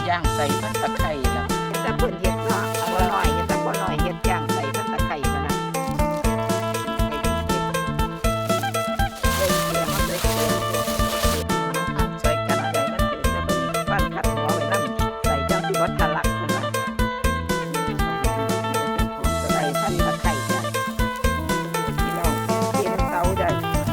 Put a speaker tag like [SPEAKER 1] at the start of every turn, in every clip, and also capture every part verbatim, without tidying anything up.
[SPEAKER 1] ย่างใส่พันตะไคร้แล้วแต่เพิ่นเฮ็ดเนาะเอาหน่อยเฮ็ดแต่บ่หน่อยเฮ็ดย่างใส่พันตะไคร้มานะใส่กันใส่มันคือจะเป็นบ้านขัดหัวไว้นั่นใส่จังสิบ่ทะลักนั่นล่ะใส่พันตะไคร้จ้ะพี่น้องเตรียมเตาได้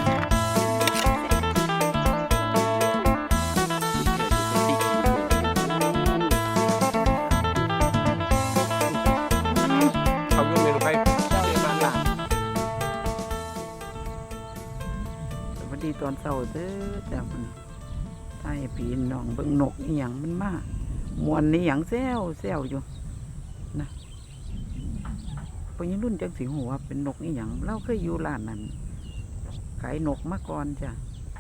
[SPEAKER 1] ตอนเช้าเด้อจ้ะมันไทยพี่น้องเบิ่งนกอีหยังมันมามวนนี่หยังแซวแซวอยู่นะพอยังรุ่นจังสิหูว่าเป็นนกอีหยังเราเคยอยู่ร้านนั้นขายนกมาก่อนจ้ะ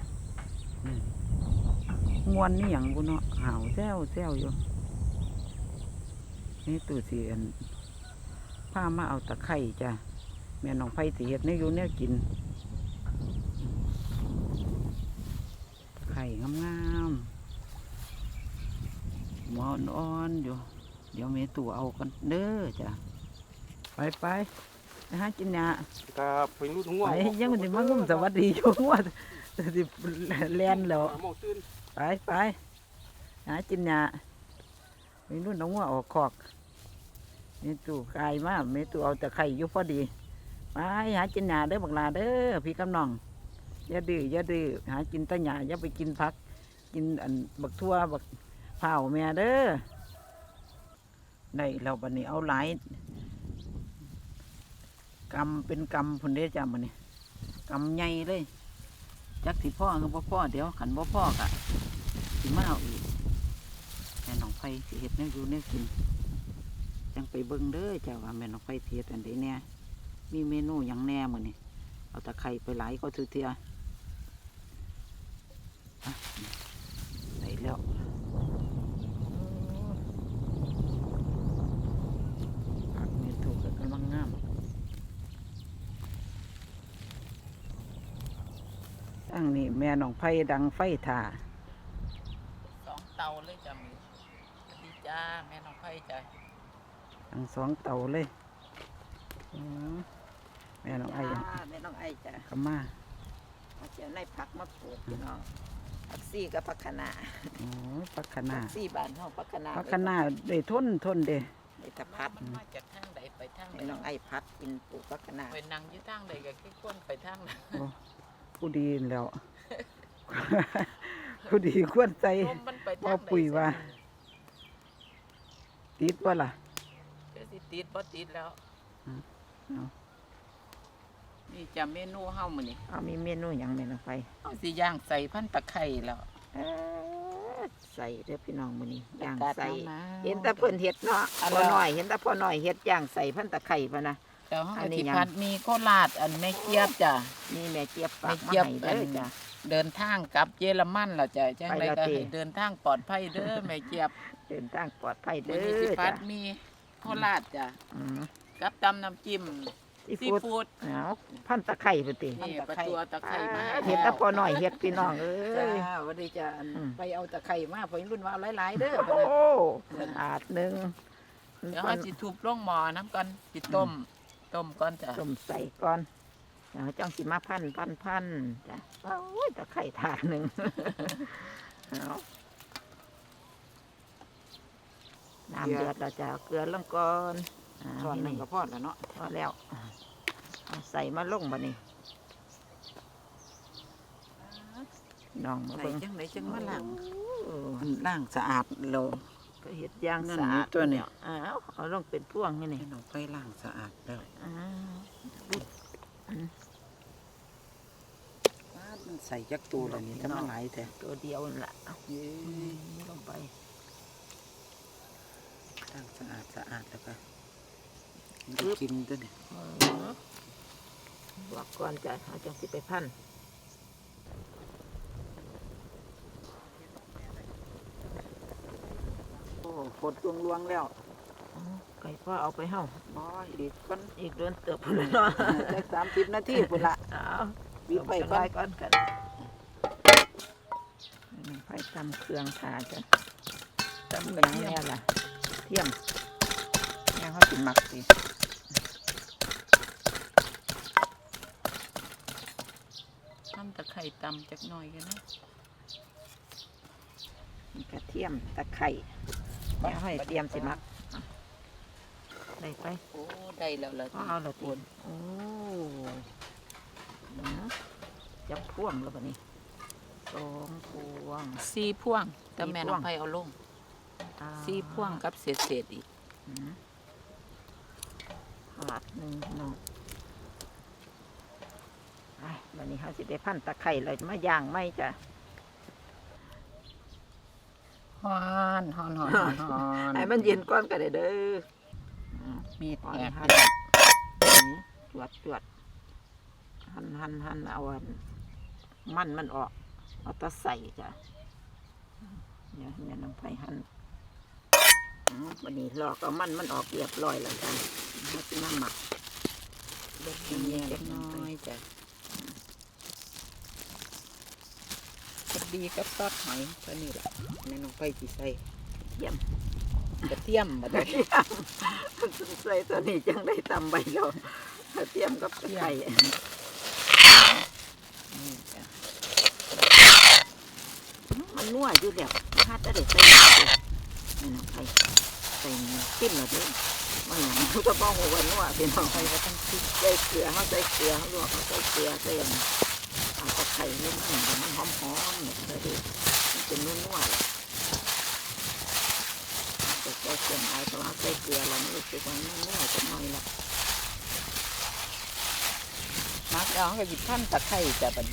[SPEAKER 1] มวนนี่หยังบุเนาะห่าวแซวแซวอยู่นี่ตู่เสียนพามาเอาตะไคร้จ้ะแม่น้องไผ่สิเฮ็ดแนวอยู่แนวกินไข่งามๆหมอนอ่อนอยู่เดี๋ยวเมตู่เอากันเด้อจ้ะไปไปไปหากินยา
[SPEAKER 2] ครับไปรู้ทั้งวัน
[SPEAKER 1] ไปยังมันจะมางุ่มสวัสดีอยู่ว่าจะแลนแล้วไปไปหากินยาไปรุ่นน้องว่าออกคอกเมตู่กายมากเมตู่เอาแต่ไข่อยู่พอดีไปหากินยาเด้อบักลาเด้อพี่กำนองอย่าดื้ออย่าดื้อหากินตะหยาอย่าไปกินผักกินอันบักทั่วบักเผาแม่เด้อได้เราบัดนี้เอาหลายกำเป็นกำพุ่นเด้จ้ามันนี่กำใหญ่เลยจักสิพ่อคือบ่พ่อเดี๋ยวขันบ่พ่อกะสิมาเอาอีกแม่น้องไฟสิเฮ็ดแนวอยู่แนวกินจังไปเบิ่งเด้อจ้าว่าแม่น้องไฟเฮ็ดอันใดแน่มีเมนูหยังแน่มื้อนี้เอาตะไคร้ไปหลายก็ถือเทียใส่แล้วผักนี่ถูกกำลังงามตั้งนี่แม่น้องไผ่ดังไฟถ่าสองเตาเลยจ้ะมีสวัสดีจ้าแม่น้องไผ่จ้ะดังสองเตาเลยแม่น้องไอ้แม่น้องไอ้จ้ะขม่าเอาเจ้าในผักมาปลูกพี่น้องผักซี่กับผักคะน้าโอ้ผักคะน้าผักซี่บ้านเฮาผักคะน้าผักคะน้าได้ทนทนเด้ได้ตะพัดมาจากทางใดไปทางใดน้องไอ้พัดกินปลูกผักคะน้าไปนั่งอยู่ทางใดก็ขี้ข้นไปทางนั้นผู้ดีแล้วผู้ดีควรใจบ่ปุ๋ยว่าติดบ่ล่ะก็สิติดบ่ติดแล้วนี่จะเมนูเฮามื้อนี้เอามีเมนูหยังแม่นไปเอาสิย่างใส่พันตะไคร้แล้วใส่เด้อพี่น้องมื้อนี้ย่างใส่เห็นแต่เพิ่นเฮ็ดเนาะพ่อน้อยเห็นแต่พ่อน้อยเฮ็ดย่างใส่พันตะไคร้ป่ะนะแล้วเฮาสิพัดมีโคราชอันแม่เจี๊ยบจ้ะมีแม่เจี๊ยบฝากมาให้เด้อจ้ะเดินทางกลับเยอรมันล่ะจ้ะจังได๋ก็ให้เดินทางปลอดภัยเด้อแม่เจี๊ยบเดินทางปลอดภัยเด้อสิพัดมีโคราชจ้ะกับตำน้ำจิ้มซีฟู้ดเอาพันตะไคร้ไปตินี่ปลาตัวตะไคร้มาเห็ดตะพอหน่อยเห็ดพี่น้องเอ้ยวันนี้จะไปเอาตะไคร้มาพอรุ่นว่าหลายๆเด้อโอ้อาดหนึ่งเดี๋ยวเราจิทุบลงหม้อน้ำก่อนจิต้มต้มก่อนจ้ะต้มใส่ก่อนเดี๋ยวจ้องสิมาพันพันพันจ้ะโอ้ยตะไคร้ถาดหนึ่งเอาน้ำเดือดเราจะเกลือลงก่อนช้อนหนึ่งก็พอแล้วเนาะพอแล้วใส่มาลงบ่นี่น้องมาเบิ่งจังไหนจังมาล้างล้างสะอาดเราก็เฮ็ดย่างสะอาดตัวนี้อ้าวเอาลงเป็นพวงนี่นี่น้องไปล้างสะอาดแล้วอ้าวมันใส่จักตัวแล้วนี่ถ้ามันหลายแต่ตัวเดียวนั่นแหละลงไปล้างสะอาดสะอาดแล้วก็กินตัวนี้บอกก่อนจะเอาจังสิไปพันโอ้ฝนลวงลวงแล้วไก่พ่อเอาไปเห่าบ่อีกคนอีกเดือนเติบพุ่นละได้สามสิบนาทีพุ่นละวิไปก่อนก่อนกันไฟตำเครื่องขาจ้ะตำกระเทียมล่ะเทียมยังเขาสิหมักสิทำตะไคร่ตำจักหน่อยกันนะกระเทียมตะไคร่ยังให้เตรียมสิหมักได้ไปโอ้ได้แล้วละเอาละตีนโอ้จับพ่วงแล้วปะนี่สองพวงสี่พวงแต่แม่น้องไผ่เอาลงสี่พวงกับเศษเศษอีกขาดหนึ่งน้องวันนี้เขาสิได้พันตะไคร่เลยมาย่างไม่จ้ะฮอนฮอนฮอนฮอนให้มันเย็นก้อนกันเด้อมีดแหกจวดจวดหั่นหั่นหั่นเอามันมันออกเอาตะใส่จ้ะเนี่ยเนี่ยน้ำไผ่หั่นวันนี้ลอกเอามันมันออกเรียบร้อยแล้วจ้ะให้เป็นน้ำหมักเล็กเล็กน้อยจ้ะกระดีกับซอสหอยตัวนี้แหละแม่น้องไผ่จีใส่เยี่ยมกระเทียมมาได้ใส่ตัวนี้จังได้ตำใบเรากระเทียมกับกระไข่มันนัวอยู่แบบฮาดจะได้ใส่นี่น้องไผ่ใส่จิ้มหน่อยดิว่าอย่างนี้ก็บ้องหัวนัวเป็นน้องไผ่ก็ต้องจิ้มใส่เกลือเขาใส่เกลือเขาลวกเขาใส่เกลือใส่เอากระไข่นี่มันมันหอมหอมเนี่ยเลยมันเป็นนัวนัวใส่เกลือไอ้ตัวใส่เกลือเราไม่รู้สึกว่ามันนัวจะน้อยละมักเอาก็หยิบท่านตะไคร้จะเป็น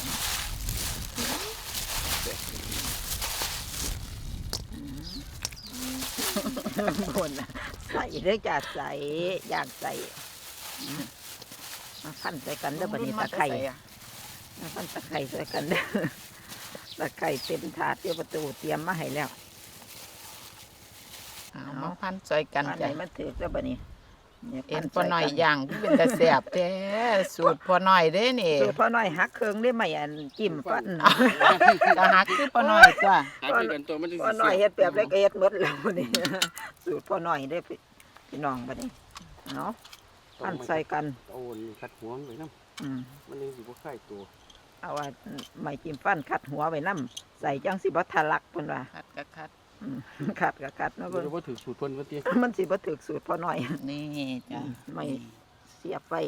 [SPEAKER 1] บนใส่เรื่องจะใส่อยากใส่มาขั้นใส่กันเด้อบัดนี้ตะไคร้มาขั้นตะไคร้ใส่กันเด้อตะไคร้เต็มถาดเตรียมประตูเตรียมมาให้แล้วเอามาพันใส่กันใจมันถือแล้วบัดนี้เอ็นพอหน่อยย่างที่เป็นตะแสบแท้สูตรพอหน่อยเด้นี่สูตรพอหน่อยหักเครื่องได้ไหมอันจิ้มฟันก็หักคือพอหน่อยจ้ะพอหน่อยเฮ็ดแบบเล็กเอ็ดหมดแล้วนี่สูตรพอหน่อยได้พี่น้องบัดนี้เนาะพันใส่กันโอนคัดหัวไปน้ำมันยังสิบ่ไข่ตัวเอาว่าไม่จิ้มฟันคัดหัวไปน้ำใส่จังสิบ่ทะลักเพิ่นว่าคัดก็คัดขัดกับขัดนะเพิ่นบ่ถือสูตรเพิ่นว่าติมันสิบ่ถือสูตรพอหน่อยนี่จ้ะไม่เสียบไป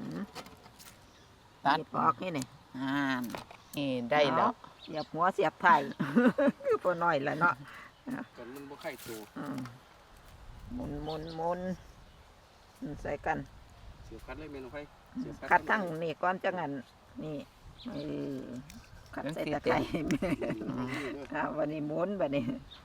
[SPEAKER 1] ตัดออกนี่นี่อ่านี่ได้แล้วเสียบหัวเสียบไถ่คือพอหน่อยแหละเนาะกันมันบ่ไข่ตัวหมุนหมุนหมุนใส่กันเสียบคัดเลยเมนูไฟคัดทั้งนี่ก้อนจังงั้นนี่ขัดใส่ตะไคร้วันนี้หมุนวันนี้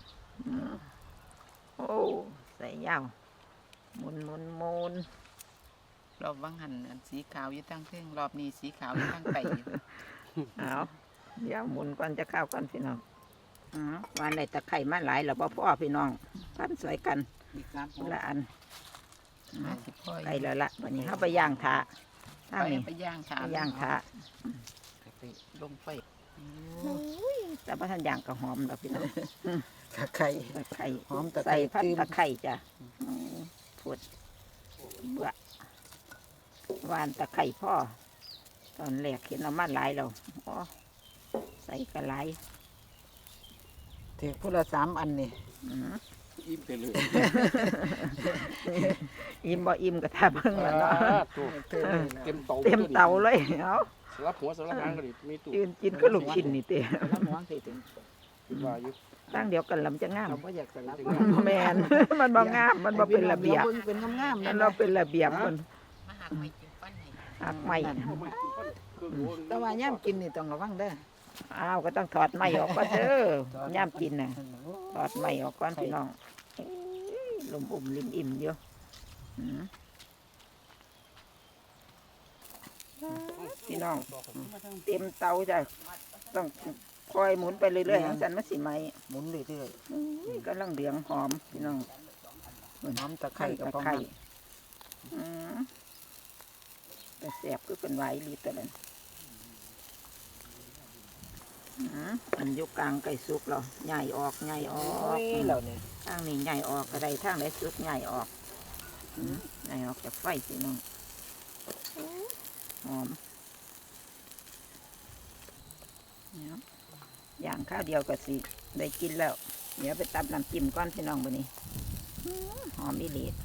[SPEAKER 1] โอ้ใส่ยาวหมุนหมุนหมุนรอบวังหันสีขาวอยู่ตั้งเพ่งรอบนี้สีขาวอยู่ตั้งไตเอาเดี๋ยวหมุนก่อนจะเข้ากันพี่น้องอ๋อวันไหนตะไคร้มาหลายแล้วพ่อพี่น้องปั้นสวยกันละอันไก่แล้วละวันนี้เข้าไปย่างถาถ้านี้ไปย่างถาย่างถาลงไฟแต่พระท่านย่างก็หอมแล้วพี่น้องตะไคร้ตะไคร้หอมตะไคร้พันตะไคร้จ้ะพูดเบื่อวานตะไคร้พ่อตอนแรกเห็นเรามาหลายเราอ๋อใส่กระไรเทพุละสามอันนี่อิ่มไปเลยอิ่มบ่อิ่มก็ทาเพิ่งแล้วเนาะเต็มเตาเต็มเตาเลยเอาสลับหัวสลับหางก็ดิมีตู้ยืนกินก็ลูกชิ้นนี่เตะสลับหัวสิถึงตั้งเดียวกันลำจะงามแมนมันบ่งามมันบ่เป็นระเบียบเป็นงามๆนั่นเราเป็นระเบียบมันหักไม่แต่ว่าย่ำกินนี่ต้องระวังเด้ออ้าวก็ต้องถอดไม้ออกก่อนเด้อย่ำกินน่ะถอดไม้ออกก่อนพี่น้องลมอุ่มริมอิ่มเยอะพี่น้องเต็มเตาจ้ะต้องคอยหมุนไปเรื่อยๆสันมาสิไหมหมุนเรื่อยๆก็ลังเหลืองหอมพี่น้องหอมตะไคร้ตะไคร้แต่แสบก็เป็นไหวรีตัวนั้นอันยุกกลางไก่สุกเราใหญ่ออกใหญ่ออกเราเนี่ยทางนี้ใหญ่ออกก็ได้ทางไหนสุกใหญ่ออกใหญ่ออกจากไฟสิน้องหอมเนี่ยอย่างข้าวเดียวก็สิได้กินแล้วเดี๋ยวไปตับน้ำจิ้มก้อนพี่น้องบนนี้หอมอีหลี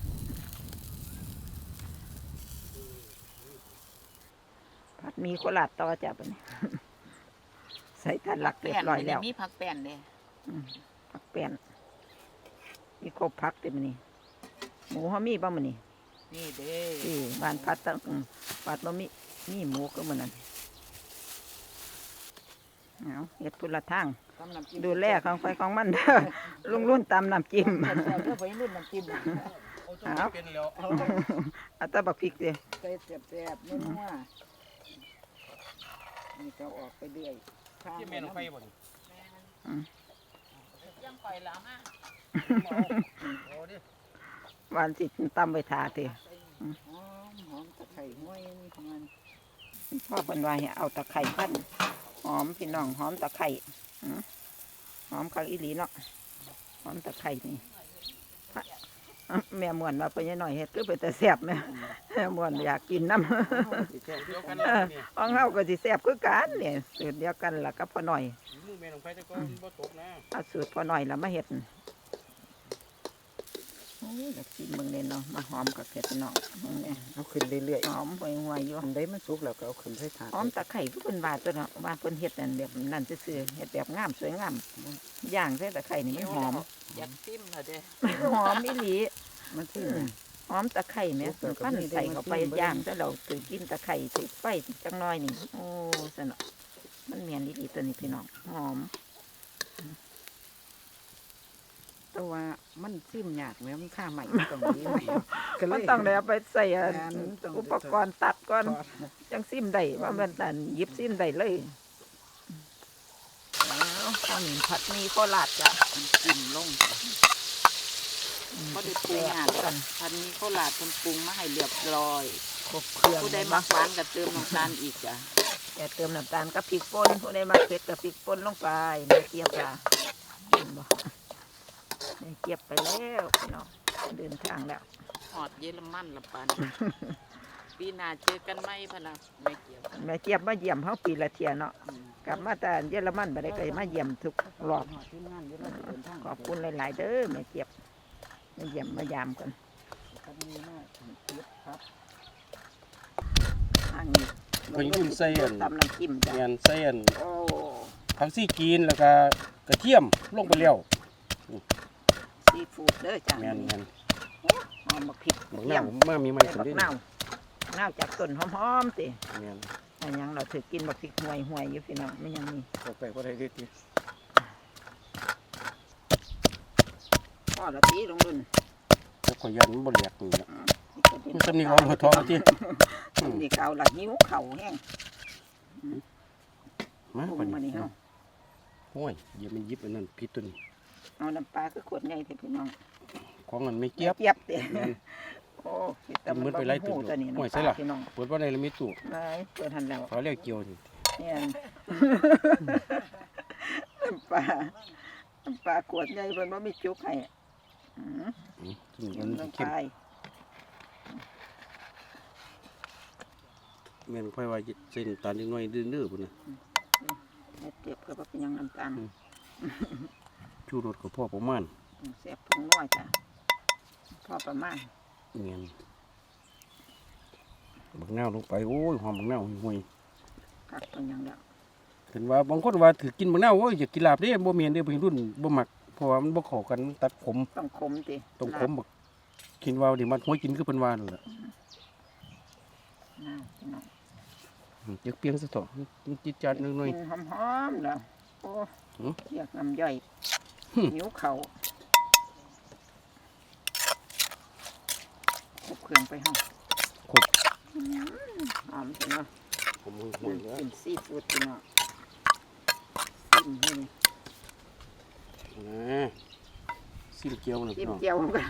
[SPEAKER 1] ผัดมีโคราชต่อจ้ะบนนี้ใส่ถ่านหลักเรียบร้อยแล้ว
[SPEAKER 2] มีผักแป้นเลย
[SPEAKER 1] ผักแป้นมีครบผักเต็มนี่หมูเขามีบ้างมันนี่
[SPEAKER 2] นี่เด้
[SPEAKER 1] ที่บ้านพัดตั้งพัดบะมีมีหมูก็เหมือนนั้นเอาเห็ดพุละทางดูแลของไฟของมันลุงรุ่นตำน้ำจิ้ม
[SPEAKER 2] ไปรุ่นน้ำจิ้ม
[SPEAKER 1] เอาเอาตะบักพริกเลย
[SPEAKER 2] ใส่แซ่บๆนัวนี่ก็ออกไปเรื่อย
[SPEAKER 3] ที่เมนูไฟบ่นี่
[SPEAKER 2] ยังปล่อยแล้วมา
[SPEAKER 1] หวานสิตำไปทาเถอะ
[SPEAKER 2] หอมหอมตะไคร้ห้วยนี่ของมัน
[SPEAKER 1] พ่อเป็นว่าเอาตะไคร้พันหอมพี่น้องหอมตะไคร้หอมข้าวอีหลีเนาะหอมตะไคร้นี่แม่ม่วนมาไปยังหน่อยเฮ็ดก็ไปแต่แซ่บแม่แม่ม่วนอยากกินน้ำห้องเฮาก็สิแซ่บคือกันเนี่ยสูตรเดียวกันล่ะกับพ่อหน่อยเอาสูตรพ่อหน่อยแล้วมาเฮ็ดโอ้ยกินเบิ่งเด่นเนาะมาหอมกับเผ็ดเนาะ
[SPEAKER 3] เอาขึ้นเรื่อย
[SPEAKER 1] ๆหอมไปห่วยอยู่
[SPEAKER 3] อันใดมันสุกแล้วก็เอาขึ้นใส่ถาด
[SPEAKER 1] หอมตะไคร้คือเพิ่นว่าตัวเนาะว่าเพิ่นเฮ็ดนั่นแบบนั่นซื่อๆเฮ็ดแบบงามสวยงามย่างใส่ตะไคร้นี่มันหอม
[SPEAKER 2] อยากซิมเหรอเด้
[SPEAKER 1] หอมอีหลีมันคือหอมตะไคร้แม่ส่วนปั้นใส่เข้าไปย่างแต่เราถือกินตะไคร้ถือไฟจังน้อยนี่โอ้สนุกมันเมียนดีๆตัวนี้พี่น้องหอม
[SPEAKER 2] ตัวมันซิมยากแม่มันค่าใหม่ตรงนี้
[SPEAKER 1] มันต้องได้เอาไปใส่อุปกรณ์ตัดก่อนจังซิมได้ว่ามันนั่นยิบซิมได้เลยข้าวหนึ่งผัดมีโคราชจ้ะ
[SPEAKER 2] จิ้มลงก็ได้ปรุงอ่ะกันพันนี้ข้าวหลาดคนปรุงมาให้เรียบร้อย
[SPEAKER 1] ครบเครื่อง
[SPEAKER 2] ผู้ใดมักหวานก็เติมน้ำตาลอีกจ้ะ
[SPEAKER 1] แต่เติมน้ำตาลกับพริกป่นผู้ใดมักเผ็ดกับพริกป่นลงไปไม่เกี่ยวจ้ะไม่เกี่ยวไปแล้วพี่น้องเดินทางแล้ว
[SPEAKER 2] หอดเยอรมันละปันปีหน้าเจอกันไหมพะนะไม่เกี่ยว
[SPEAKER 1] แม่เจี๊ยบมาเยี่ยมเขาปีละเทียเนาะกลับมาแต่เยอรมันไปได้ก็มาเยี่ยมทุกรอบขอบคุณหลายๆเด้อแม่เจี๊ยบมาเยี่ยมมายามกันทางนี้
[SPEAKER 3] คนยุ่นใส่อัน
[SPEAKER 1] ตำน้ำจิ้ม
[SPEAKER 3] จ้ะใส่อันผักซี่กีนแล้วก็กระเทียมลงไปแล้ว
[SPEAKER 1] ซีฟู้ดเด้อจ้ะ
[SPEAKER 3] แม่น
[SPEAKER 1] ๆหอมบักพริก
[SPEAKER 3] บักนาวมามีมัน
[SPEAKER 1] บักนาวนาวจากต้นหอมๆสิ
[SPEAKER 3] แม่น
[SPEAKER 1] อันยังเราถือกินบักพริกห่วยๆอยู่พี่น้องไม่ยังมี
[SPEAKER 3] เข้าไปบ่ได้เด้ติ
[SPEAKER 1] พ่อละตีลงรุ่น
[SPEAKER 3] แล้วก็ยันบ่แหลกนี่นะมันสำนีเอาหัวทองติ
[SPEAKER 1] นี่เก่าละหิวเข่าแห้ง
[SPEAKER 3] มาบัดนี้เฮาโอ้ยอย่ามันยิบอันนั้นผิดตัวนี้
[SPEAKER 1] เอาน้ำปลาคือขวดใหญ่เถอะพี่น้อง
[SPEAKER 3] ของมันไม่เกียบ
[SPEAKER 1] เกียบเด้โอ้
[SPEAKER 3] แต่มันไปไล่ตู้โอ้ยใช่ล่ะเปิดว่าในละมีตู้
[SPEAKER 1] ไหนเปิดทันแล้ว
[SPEAKER 3] เขาเรียกเกี่ยวนี่
[SPEAKER 1] เนี่ยน้ำปลาน้ำปลาขวดใหญ่เพิ่นบ่มีจุกให้อือ
[SPEAKER 3] มันเข้มแม่นค่อยว่าเส้นตาลนิดหน่อยดื้อๆพุ่นน่ะ
[SPEAKER 1] เก็บก็บ่เป็นหยังน้ำตาล
[SPEAKER 3] ชูรสก็พอประมาณ
[SPEAKER 1] แซ่บผงน้อยจ้ะพอประมาณ
[SPEAKER 3] เงี้ยบักนาวลงไปโอ้ยหอมบักนาวห่วย
[SPEAKER 1] กัดเป็นยังแล้ว
[SPEAKER 3] เห็นว่าบางคนว่าถือกินบักนาวโอ้ยอยากกินลาบเด้บ่เมียนเด้เพิ่นรุ่นบ่มักเพราะว่ามันบ่เข้ากันตัดขม
[SPEAKER 1] ต้องขมติ
[SPEAKER 3] ต้องขมบักกินว่าดิมันห้วยกินคือเพิ่นว่านั่นแหละเดี๋ยวเปียงซะต่อมันจิตจัดหน่อย
[SPEAKER 1] ๆหอมๆแล้วโอ้อยากน้ำย่อยหิวเข่าครบเครื่องไปห้อง
[SPEAKER 3] ครบ
[SPEAKER 1] หอมจริงเนาะ
[SPEAKER 3] ผมห่วงๆ
[SPEAKER 1] เป็นซีฟู้ดจริงเนาะซิมให้
[SPEAKER 3] นะซิมเกี๊ยวนะ
[SPEAKER 1] ซิมเกี๊ยวกัน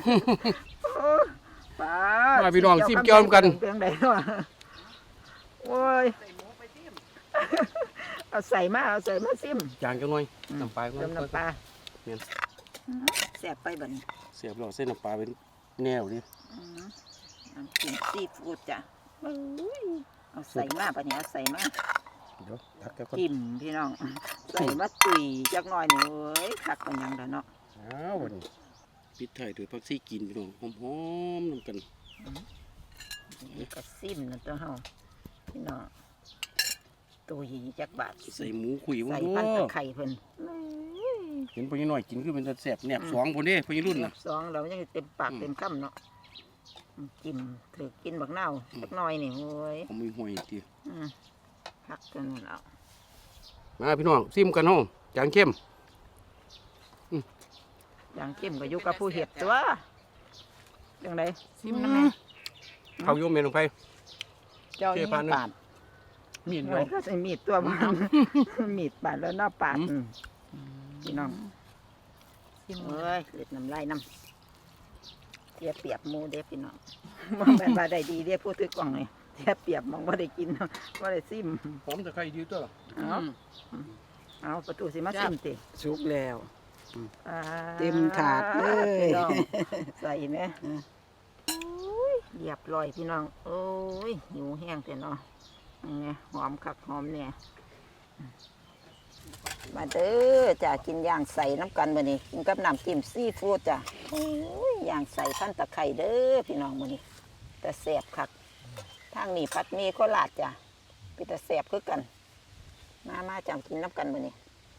[SPEAKER 1] ป้า
[SPEAKER 3] มาพี่น้องซิมเกี๊ยวกัน
[SPEAKER 1] เพียงใดเนาะโอ้ยเอาใส่มาเอาใส่มาซิม
[SPEAKER 3] จางจังหน่อยน้ำปลา
[SPEAKER 1] เติมน้ำปลา
[SPEAKER 3] เนี่ย
[SPEAKER 1] แซ่บไปบัดนี้
[SPEAKER 3] เสียบแล้วเส้นน้ำปลาเป็นแนวดิ
[SPEAKER 1] น้ำจิ้มซีฟู้ดจ้ะเอาใส่มาบัดนี้เอาใส่มา
[SPEAKER 3] เดี๋ยวตักแก้วก่อน
[SPEAKER 1] จิ้มพี่น้องใส่มาตุยจักหน่อยนี่เว้ยคักกันยังแล้วเนาะ
[SPEAKER 3] อ้าววันนี้ปิดไทยด้วยผักชีกินพี่น้องหอมๆนำกัน
[SPEAKER 1] นี่ก็ซิมนะตัวเฮาพี่น้องตุยจักบาท
[SPEAKER 3] ใส่หมูขุย
[SPEAKER 1] ใส่
[SPEAKER 3] โอ้
[SPEAKER 1] พันตะไคร้เพิ่น
[SPEAKER 3] เห็นพญาน้อยกินคือเป็นแสบแหนบสองคนเด้พญารุ่น
[SPEAKER 1] นั
[SPEAKER 3] น่ะ
[SPEAKER 1] บสองเรายังเต็มปากเต็มคำเนาะจิ้มถือกินบักเน่าจักหน่อยนี่โว้ย
[SPEAKER 3] ผมมีหอยตี
[SPEAKER 1] อืมคักจนเอา
[SPEAKER 3] มาพี่น้องซิมกันห้องจางเข้ม
[SPEAKER 1] อย่างเข้มก็อยู่กับผู้เห็ดตัวจังไดซิมนะแม่
[SPEAKER 3] เขาโยมเมนลงไป
[SPEAKER 1] เจ้านี่
[SPEAKER 3] เจ๊ปานหนึ่ง
[SPEAKER 1] ปาด
[SPEAKER 3] มีด
[SPEAKER 1] หน่
[SPEAKER 3] เนาะ
[SPEAKER 1] อยก็ใส่มีดตัวบ้างมีดปาดแล้วเนอปาด
[SPEAKER 3] อืม
[SPEAKER 1] อืมพี่น้องซิมเอ้ยเล็ดน้ำลายน้ำเทียเปรียบหมูเด้พี่น้องมองเป็นบาได้ดีเด้พูดถึงกล่องเลยเทียเปรียบมองว่าได้กินว่าได้ซิม
[SPEAKER 3] หอมตะไคร้ดีตัว
[SPEAKER 1] เอาเอาประตูสิมาซิมติ
[SPEAKER 2] สุกแล้ว
[SPEAKER 1] อ่า
[SPEAKER 2] เต็มถาดเลย
[SPEAKER 1] พี่น้องใส่ไหมอุ้ยเรียบร้อยพี่น้องโอ้ยหิวแห้งแต่เนาะไงหอมคักหอมเนี่ยมาเด้อจ้ะกินย่างใส่น้ำกันมานี่กินกับน้ำจิ้มซีฟู้ดจ้ะโอ้ยย่างใส่พันตะไคร้เด้อพี่น้องมานี่แต่แสบคักทางนี้ผัดหมีโคราชจ้ะพี่แต่แสบคือกันมามาจังกินน้ำกันมานี่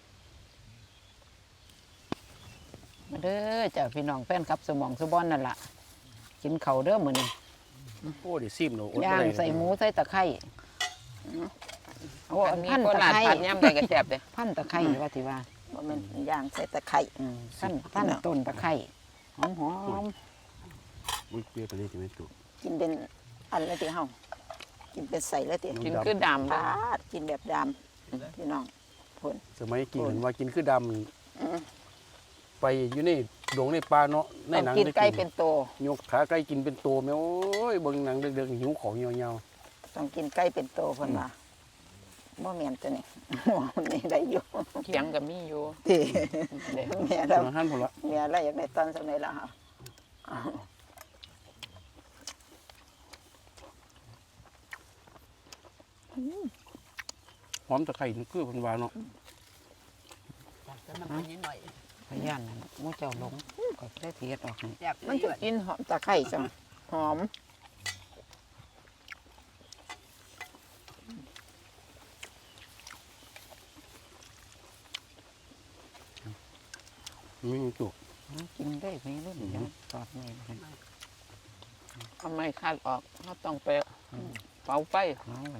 [SPEAKER 2] มาเด้อจ้ะพี่น้องแฟนครับสมองสุบอนนั่นล่ะกินเขาวเด้อมื้อนี้
[SPEAKER 3] โอ้ดิซิมเนาะอดบ่
[SPEAKER 2] ย่าง
[SPEAKER 3] ได้
[SPEAKER 2] ใส่หมูใส่ตะไคร้
[SPEAKER 1] โอ้
[SPEAKER 2] อันนี้
[SPEAKER 1] พัน
[SPEAKER 2] โค
[SPEAKER 1] ตะ
[SPEAKER 2] ราช
[SPEAKER 1] ไคร้
[SPEAKER 2] ผัดย่ำได้ก็แซ่บเด้
[SPEAKER 1] พันตะไคร้ว่าที่ว่าบ่แม่นย่างใส่ตะไคร้
[SPEAKER 2] อืมพันพันต้นตะไคร้หอมหอม
[SPEAKER 3] อุ้ยเปรี้ยวไปเลยที่ไม่ถูก
[SPEAKER 1] กินเป็นอันเลยที่เฮากินเป็นใส่เลยที่
[SPEAKER 2] กินคือดำ
[SPEAKER 1] ป
[SPEAKER 2] เด้อ
[SPEAKER 1] าดกินแบบดำพี่น้องผล
[SPEAKER 3] สมัยกินเห็นว่ากินคือด
[SPEAKER 1] อืม
[SPEAKER 3] ำไปอยู่ในดงในป่าเนาะใน
[SPEAKER 1] ต้อง
[SPEAKER 3] หนัง
[SPEAKER 1] กิน
[SPEAKER 3] ได้
[SPEAKER 1] ไก่เป็นโต
[SPEAKER 3] ยกขาไก่กินเป็นตัวแม่โอ้ยเบิ่งหนังเด็กๆหิวของยาว
[SPEAKER 1] ต้องกินไก่เป็นโตเพิ่นว่าบ่แม่นตัวนี้ นี่ได้อยู่
[SPEAKER 2] เขียงก็มีอยู่
[SPEAKER 1] ที่
[SPEAKER 2] เด้อ
[SPEAKER 1] แม่
[SPEAKER 3] ๆ
[SPEAKER 1] เรา
[SPEAKER 3] อาหารพุ่นละ
[SPEAKER 1] แม่เราอยากได้ตอนสมัยละค่ะ
[SPEAKER 3] หอมตะไคร้นี่คือเพิ่นว่าเนาะ
[SPEAKER 2] พยานนั่นหมูเจ้าหลงก็ได้เทียดออกให้
[SPEAKER 1] มันจะกินหอมตะไคร้จังหอม
[SPEAKER 3] มีจุก
[SPEAKER 2] กินได้ไหมรุ่นเดียวตอดไม่ได้ทำไมคาดออกเขาต้องไปเป่าไฟเอาไว้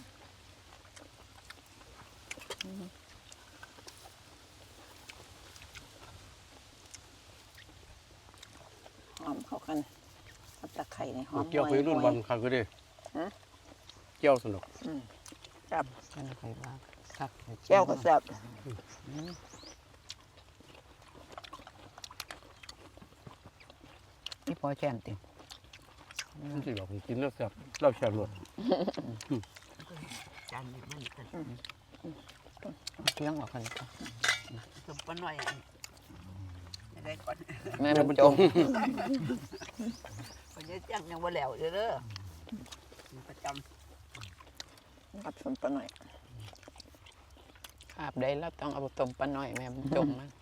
[SPEAKER 1] หอมเข้ากันเอาตะไคร้ในหอม
[SPEAKER 3] เกี่ยวไปรุ่น
[SPEAKER 1] ห
[SPEAKER 3] วั
[SPEAKER 1] อน ย
[SPEAKER 3] คักก็ได้
[SPEAKER 1] ฮะ
[SPEAKER 3] เกี่ยวสนุก
[SPEAKER 1] ๆอืมครับ
[SPEAKER 2] แค่นั้นใครว่าคัก
[SPEAKER 1] แก้วก็แซ่บ
[SPEAKER 2] นี่พอแช่นติ
[SPEAKER 3] มันสิบอกผมกินแล้วแซ่บเราแซ่บรส
[SPEAKER 2] จานนี้มันกันเคียงออกกันก็
[SPEAKER 1] สุปปะหน่อยไม่ได้ก่อน
[SPEAKER 2] แม่
[SPEAKER 3] แม่
[SPEAKER 2] มั
[SPEAKER 3] มัน น
[SPEAKER 2] จ
[SPEAKER 3] จ
[SPEAKER 2] ง
[SPEAKER 3] ง
[SPEAKER 1] วันนี้จังยังบ่แล้วเด้อเด้อประจำกับสุปปะหน่อย
[SPEAKER 2] ขาบได้แล้วต้องเอาต้มปลาหน่อยแม่มันจงมัน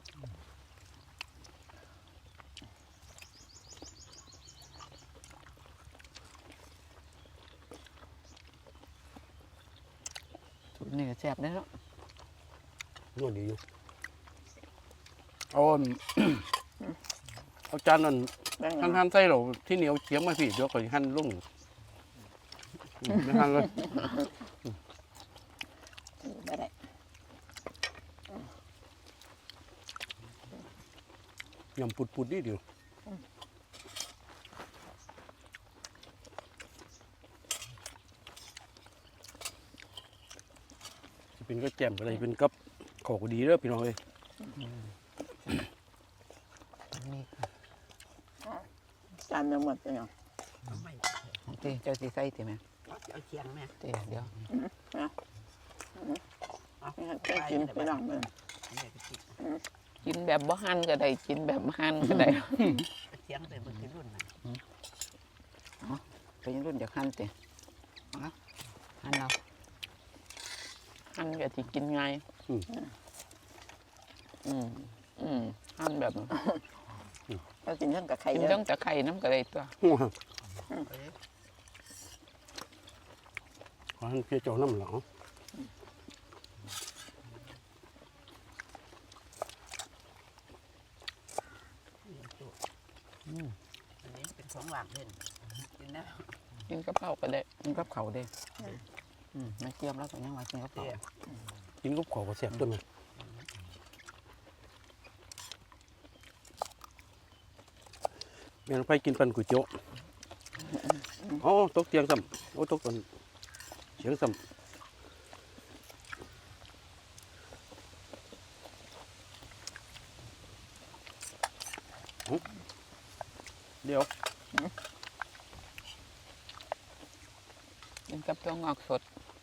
[SPEAKER 2] สูตรนี่ก็แซ่บได้แล้ว
[SPEAKER 3] นวดดีอยู่เอาอัน เอาจานนั้น
[SPEAKER 1] แบ่ง
[SPEAKER 3] หั่นหั่นใส่เราที่เหนียวเฉียงมาพี่เดี๋ยวก่อนหั่นลงอืมไม่หั่นเลย
[SPEAKER 1] ไม่ได้
[SPEAKER 3] ยำปุดๆนิดเดียวสิเป็นก็แจ่มอะไรเป็นกับขอก็ดีเด้อพี่น้องเอ้ย
[SPEAKER 2] นี่
[SPEAKER 1] จานยังหมดเลยเนาะ
[SPEAKER 2] ตีเจ้าสีใส่ตีไหม
[SPEAKER 1] เอาเคียงแม่
[SPEAKER 2] ตีเดี๋ยว
[SPEAKER 1] เอา
[SPEAKER 2] กินไปลองเลยกินแบบบ่หั่นก็ได้กินแบบหั่นก็ได้
[SPEAKER 1] เสียงแต่บ่รุ่นน่ะ
[SPEAKER 2] ไปยังรุ่นเดี๋ยวหั่นติหั่นเอาหั่นก็สิกินง่ายอืมอืมหั่นแบบ
[SPEAKER 1] เรากินทั้งกับไข่
[SPEAKER 2] กิน
[SPEAKER 1] เย
[SPEAKER 2] ต้อ
[SPEAKER 1] อะ
[SPEAKER 2] งตะไคร้น้ำก็ได้ตัว
[SPEAKER 3] ขอให้เพียเจ้าน้ำเหรอ
[SPEAKER 1] อันนี้เป็นของหวานเด่นกินนะ
[SPEAKER 2] กินกับเผาก็ได้กินกับเขาได้อืมไม่เจียมแล้วก็ยังว่ากินกับเผา
[SPEAKER 3] กินกับข้าวก็แซ่บตัวนึงแม่นไปกินปันก๋วยเตี๋ยวอ๋อตกเตียงซ้ำโอ้ตกตนเสียงซ้ำเดี๋ยว
[SPEAKER 2] กินกับตัวงอกสด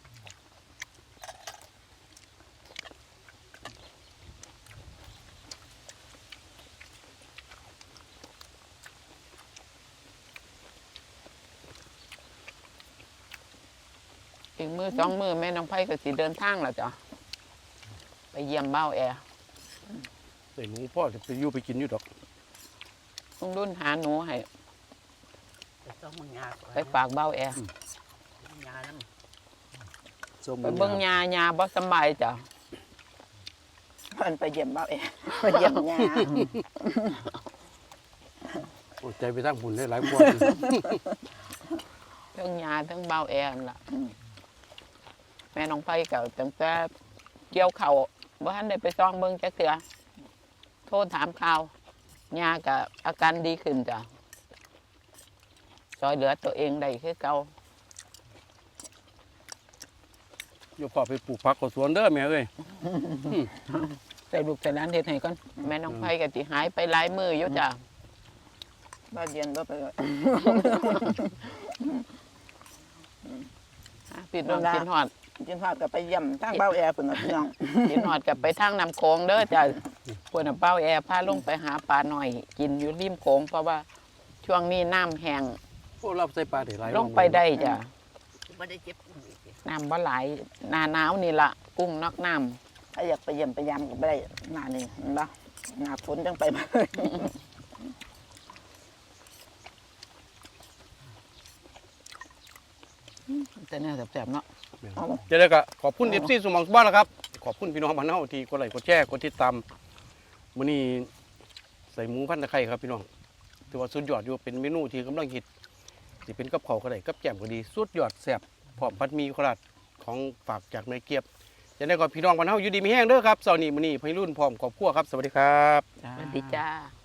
[SPEAKER 2] อีกมือสองมือแม่น้องไผ่ก็สิเดินทางแล้วจ้ะไปเยี่ยมเบ้าแอร์
[SPEAKER 3] ใส่หมูพ่อจะไปอยู่ไปกินอยู่ดอก
[SPEAKER 2] ลุงรุ่นหาหนูให้
[SPEAKER 1] ไปต้องมึงยา
[SPEAKER 2] ไปฝากเบ้าแอร์
[SPEAKER 1] ยาแล้ว
[SPEAKER 3] ส้ม
[SPEAKER 2] ไปเบิ่งยายาบ่สำบายจ้ะ
[SPEAKER 1] มันไปเยี่ยมเบ้าเองไปเยี่ยมยา
[SPEAKER 3] โอ้ใจไปทางบุญได้หลายกว่า
[SPEAKER 2] ทั้งยาทั้งเบ้าแอร์นั่นล่ะแม่น้องไผ่ก็ตั้งแต่เกี่ยวเข่าวบ่ทันได้ไปซ่องเบิ่งจักเทื่อโทรถามข่าวยาก็อาการดีขึ้นจ้ะซอยเหลือตัวเองได้คือเก่า
[SPEAKER 3] โยพ่อไปปลูกผักกับสวนเด้อแม่เอ้ย
[SPEAKER 2] ใส่ลูกใส่ร้านเฮ็ดให้ก่อนแม่น้องไผ่ก็สิหายไปหลายมื้ออยู่จ้ะ
[SPEAKER 1] บ้านเย็นก็ไปเลย
[SPEAKER 2] อ่ะพี่น้องกินฮอด
[SPEAKER 1] กินทอดกับไปเยี่ยมทางเบ้าแอร์เพิ่นพี่น้อง
[SPEAKER 2] กินฮอดกับไปทางน้ำโขงเด้อจ้ะพวกน่ะเป้าแอร์พาลงไปหาปลาหน่อย กินอยู่ริมโขงเพราะว่าช่วงนี้น้ำแห้ง
[SPEAKER 3] โอ้รับใส่ปลาได้หลาย
[SPEAKER 2] ลงไปได้จ้ะ
[SPEAKER 1] บ่ได้เจ็บอุ้งอีก
[SPEAKER 2] น้ำบ่หลายหน้าหนาวนี่ละกุ้งนอกน้
[SPEAKER 1] ถ้าอยากไปเยี่ยมไปยามก็บ่ได้หน้านี่เห็นบ่หน้าฝนจังไปบ่ได้
[SPEAKER 2] ำแต่เนี่ยแสบๆเนาะ
[SPEAKER 3] จะได้ก็ขอบคุณ เอฟ ซี สมองสบ้านแล้วครับ ขอบคุณพี่น้องบ้านเฮาที่กดไลค์กดแชร์กดติดตามมื้อนี้ใส่หมูพันตะไคร้ครับพี่น้องถือว่าสุดยอดอยู่เป็นเมนูที่กำลังฮิตสิเป็นกับข้าวก็ได้กับแกล้มก็ดีสุดยอดแซ่บพร้อมผัดหมี่โคราชของฝากจากแม่เกียบจะได้ก็พี่น้องบ้านเฮาอยู่ดีมีแห้งเด้อครับเช้านี้มื้อนี้พี่รุ่นพร้อมครอบครัวครับสวัสดีครับ
[SPEAKER 2] สวัสดีจ้า